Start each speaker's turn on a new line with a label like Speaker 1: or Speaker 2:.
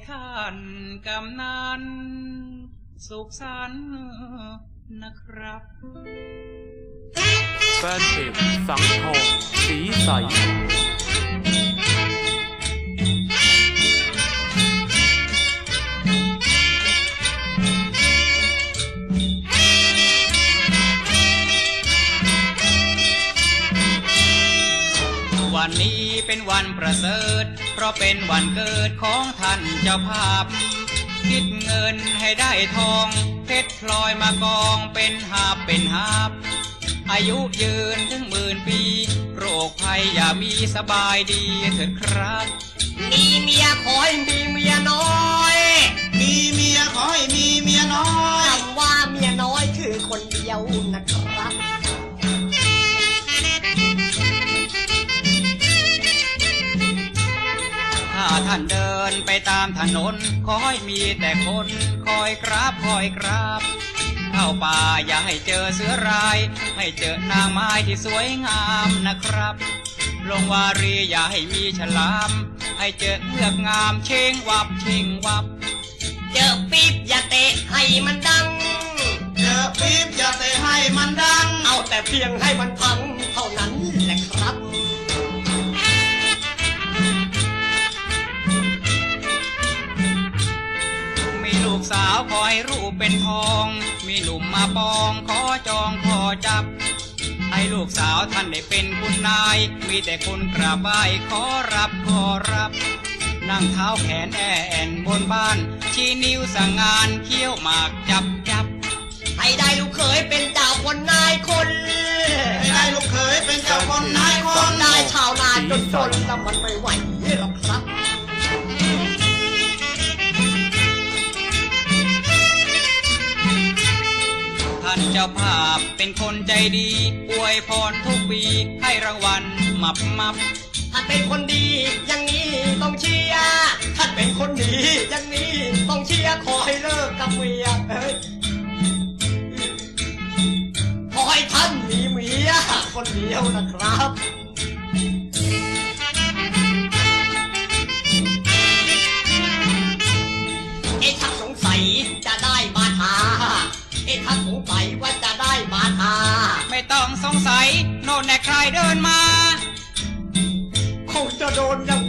Speaker 1: ท่านกำนันสุขสันต์นะครับ
Speaker 2: แฟนเพจสังทองสีใส
Speaker 1: วันนี้เป็นวันประเสริฐเพราะเป็นวันเกิดของท่านเจ้าภาพคิดเงินให้ได้ทองเพชรพลอยมากองเป็นหาบเป็นหาบอายุยืนถึง10,000 ปีโรคภัยอย่ามีสบายดีเถิดครับ
Speaker 3: มีเมียขอให้มีเมียน้อย
Speaker 4: มีเมียขอให้มีเมียน้อย
Speaker 3: คำว่าเมียน้อยคือคนเดียวนะครับ
Speaker 1: ถ้าท่านเดินไปตามถนนขอให้มีแต่คนคอยกราบคอยกราบเข้าป่าอย่าให้เจอเสือร้ายให้เจอนางไม้ที่สวยงามนะครับลงวารีอย่าให้มีฉลามให้เจอเงือกงามเชิงวับเชิงวับ
Speaker 3: เจอปี๊บอย่าเตะให้มันดัง
Speaker 4: เจอปี๊บอย่าเตะให้มันดัง
Speaker 3: เอาแต่เพียงให้มันพังเท่านั้นแหละครับ
Speaker 1: ลูกสาวขอให้รูปเป็นทองมีหนุ่มมาปองขอจองขอจับให้ลูกสาวท่านได้เป็นคุณนายมีแต่คนกราบไหว้ขอรับขอรับนั่งเท้าแขนแอนบนบ้านชี้นิ้วสั่งงานเคี้ยวหมากจับจับ
Speaker 3: ให้ได้ลูกเขยเป็นเจ้าคนนายคน
Speaker 4: ให้ได้ลูกเขยเป็นเจ้าคนนายคน
Speaker 3: ได้ชาวนาจนแต่มันไม่ไหวหรอกครับ
Speaker 1: ท่านเจ้าภาพเป็นคนใจดีอวยพรทุกปีให้รางวัลมับ
Speaker 3: ท่านเป็นคนดีอย่างนี้ต้องเชียร์ท่านเป็นคนดีอย่างนี้ต้องเชียร์ขอให้เลิกกับเมียขอให้ท่านมีเมียคนเดียวนะครับถ้าสงสัยจะได้บาทาถ้าสงสัยว่าจะได้บาทา
Speaker 1: ไม่ต้องสงสัยโน่นแน่ใครเดินมา
Speaker 3: คงจะโดนอย่าง